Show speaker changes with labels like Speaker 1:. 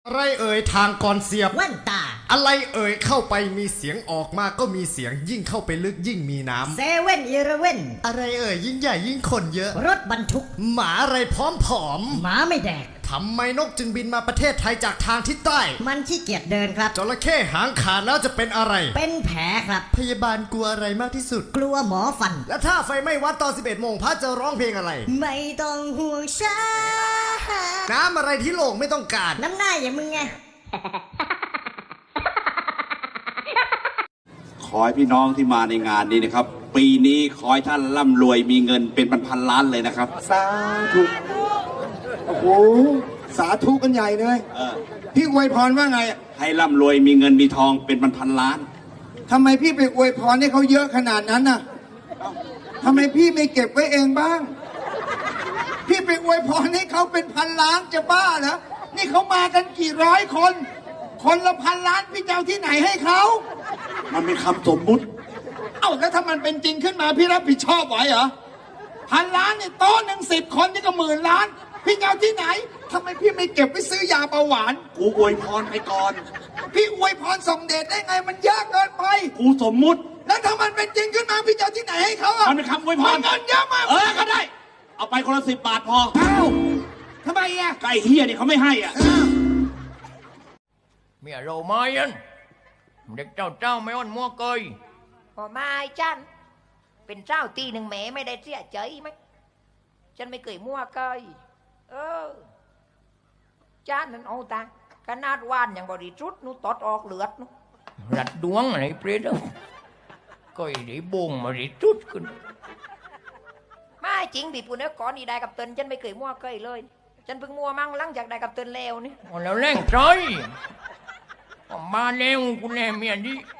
Speaker 1: อะไรเอ่ยทางก่อนเสียบ
Speaker 2: แว่นตา
Speaker 1: อะไรเอ่ยเข้าไปมีเสียงออกมาก็มีเสียงยิ่งเข้าไปลึกยิ่งมีน้ำ
Speaker 2: เซเว่นอีเลฟเว่น
Speaker 1: อะไรเอ่ยยิ่งใหญ่ยิ่งคนเยอะ
Speaker 2: รถบรรทุก
Speaker 1: หมาอะไรพร้อมผอม
Speaker 2: หมาไม่แดก
Speaker 1: ทำไมนกจึงบินมาประเทศไทยจากทางทิศใต้
Speaker 2: มันขี้เกียจเดินครับ
Speaker 1: จระเข้หางขาดแล้วจะเป็นอะไร
Speaker 2: เป็นแผลครับ
Speaker 1: พยาบาลกลัวอะไรมากที่สุด
Speaker 2: กลัวหมอฟัน
Speaker 1: และถ้าไฟไหม้วัดตอน 11 โมงพระจะร้องเพลงอะไร
Speaker 2: ไม่ต้องห่วงฉัน
Speaker 1: น้ำอะไรที่โลกไม่ต้องการ
Speaker 2: น้ำหน้าอย่างมึงไง
Speaker 3: ขอให้พี่น้องที่มาในงานนี้นะครับปีนี้ขอให้ท่านร่ำรวยมีเงินเป็นพันล้านเลยนะครับ
Speaker 4: สาธุโอ้โหสาธุกันใหญ่เลยพี่อวยพรว่าไง
Speaker 3: ให้ร่ำรวยมีเงินมีทองเป็นพันล้าน
Speaker 4: ทำไมพี่ไปอวยพรให้เขาเยอะขนาดนั้นน่ะทำไมพี่ไม่เก็บไว้เองบ้างพี่ไปอวยพรให้เขาเป็นพันล้านจะบ้าเหรอนี่เขามากันกี่ร้อยคนคนละพันล้านพี่จะเอาที่ไหนให้เขา
Speaker 3: มันเป็นคำสมมุติ
Speaker 4: เอ้าแล้วถ้ามันเป็นจริงขึ้นมาพี่รับผิดชอบไหวเหรอพันล้านเนี่ยโต๊ะหนึ่ง10 คนนี่ก็10,000 ล้านพี่จะเอาที่ไหนทำไมพี่ไม่เก็บไว้ซื้อยาเบาหวาน
Speaker 3: กูอวยพรไปก่อน
Speaker 4: พี่อวยพรส่งเดชได้ไงมันยากเกินไป
Speaker 3: กูสมมุติ
Speaker 4: แล้วถ้ามันเป็นจริงขึ้นมาพี่จะเอาที่ไหนให้เขาอ่ะ
Speaker 3: มันเป็นคำอวยพร
Speaker 4: เงินเยอะมาก
Speaker 3: ก็ได้เอาไปคนละ10 บาทพอ
Speaker 4: เอ้าทำไมอ่ะ
Speaker 3: ไก่เฮียนี่เขาไม่ให้อ่ะ
Speaker 5: เมียเราไม่ยันเด็กเจ้าไม่อ่อนมัวเกย
Speaker 6: พอมาจันเป็นเจ้าตีหนึ่งแม่ไม่ได้เสียใจไหมฉันไม่เคยมั่วเกยจ้านนั้นเอาตาขนาดว่านอย่างบริสุทธิ์นู้ตดออกเลือดนู้
Speaker 5: รัดดวงอะไรเปรี้ยวก็ได้บงมาได้จุดขึ้น
Speaker 6: ไม่จริงพี่ปุ่นเนี่ยก่อนนี่ได้กับเตินฉันไม่เคยมั่วเกยเลยฉันเพิ่งมั่วมั่งหลังจากได้กับเตินแล้วนี่
Speaker 5: แล้วแรงใจมาแล้วกูแน่เมียดี